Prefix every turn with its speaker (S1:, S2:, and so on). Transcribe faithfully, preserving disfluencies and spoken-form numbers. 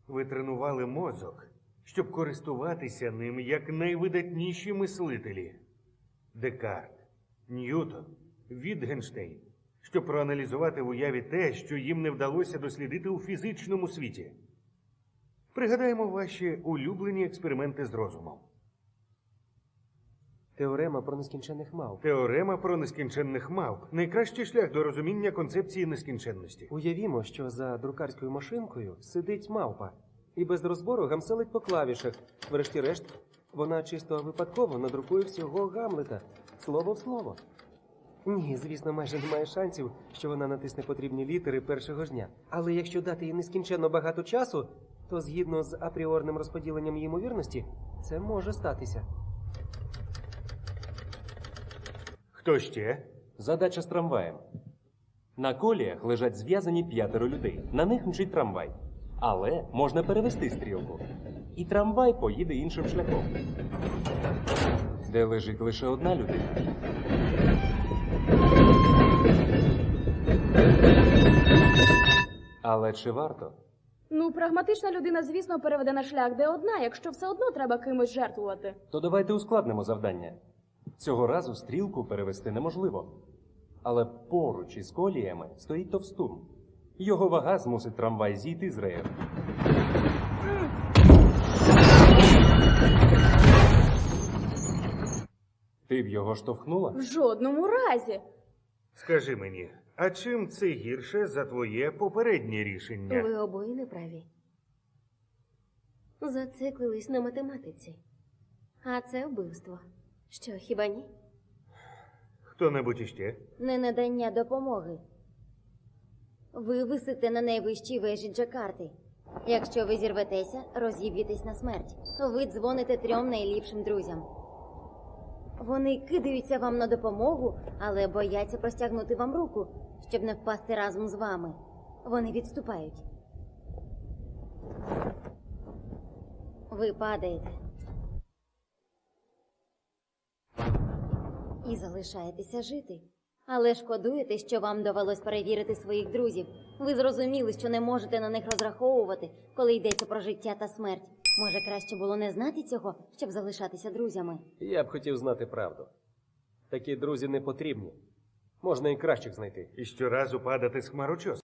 S1: Ви тренували мозок, щоб користуватися ним як найвидатніші мислителі. Декарт, Ньютон, Вітгенштейн, щоб проаналізувати в уяві те, що їм не вдалося дослідити у фізичному світі. Пригадаємо ваші улюблені експерименти з розумом.
S2: Теорема про нескінченних мавп.
S1: Теорема про нескінченних мавп – найкращий шлях до розуміння концепції нескінченності.
S2: Уявімо, що за друкарською машинкою сидить мавпа і без розбору гамселить по клавішах. Врешті-решт, вона чисто випадково надрукує всього Гамлета, слово в слово. Ні, звісно, майже немає шансів, що вона натисне потрібні літери першого ж дня. Але якщо дати їй нескінченно багато часу, то згідно з апріорним розподіленням її ймовірності, це може статися.
S1: Хто ще?
S3: Задача з трамваєм. На коліях лежать зв'язані п'ятеро людей. На них мчить трамвай. Але можна перевести стрілку. І трамвай поїде іншим шляхом. Де лежить лише одна людина. Але чи варто?
S4: Ну, прагматична людина, звісно, переведе на шлях де одна, якщо все одно треба кимось жертвувати.
S3: То давайте ускладнимо завдання. Цього разу стрілку перевести неможливо. Але поруч із коліями стоїть товстун. Його вага змусить трамвай зійти з реєр. Ти б його штовхнула?
S4: В жодному разі.
S1: Скажи мені, а чим це гірше за твоє попереднє рішення?
S5: Ви обоє неправі. Зациклились на математиці. А це вбивство. Що, хіба ні?
S1: Хто-небудь іще?
S5: Ненадання допомоги. Ви висите на найвищій вежі Джакарти. Якщо ви зірветеся, розіб'єтесь на смерть. Ви дзвоните трьом найліпшим друзям. Вони кидаються вам на допомогу, але бояться простягнути вам руку, щоб не впасти разом з вами. Вони відступають. Ви падаєте. І залишаєтеся жити. Але шкодуєте, що вам довелось перевірити своїх друзів. Ви зрозуміли, що не можете на них розраховувати, коли йдеться про життя та смерть. Може, краще було не знати цього, щоб залишатися друзями?
S2: Я б хотів знати правду. Такі друзі не потрібні. Можна і кращих знайти.
S1: І щоразу падати з хмарочос.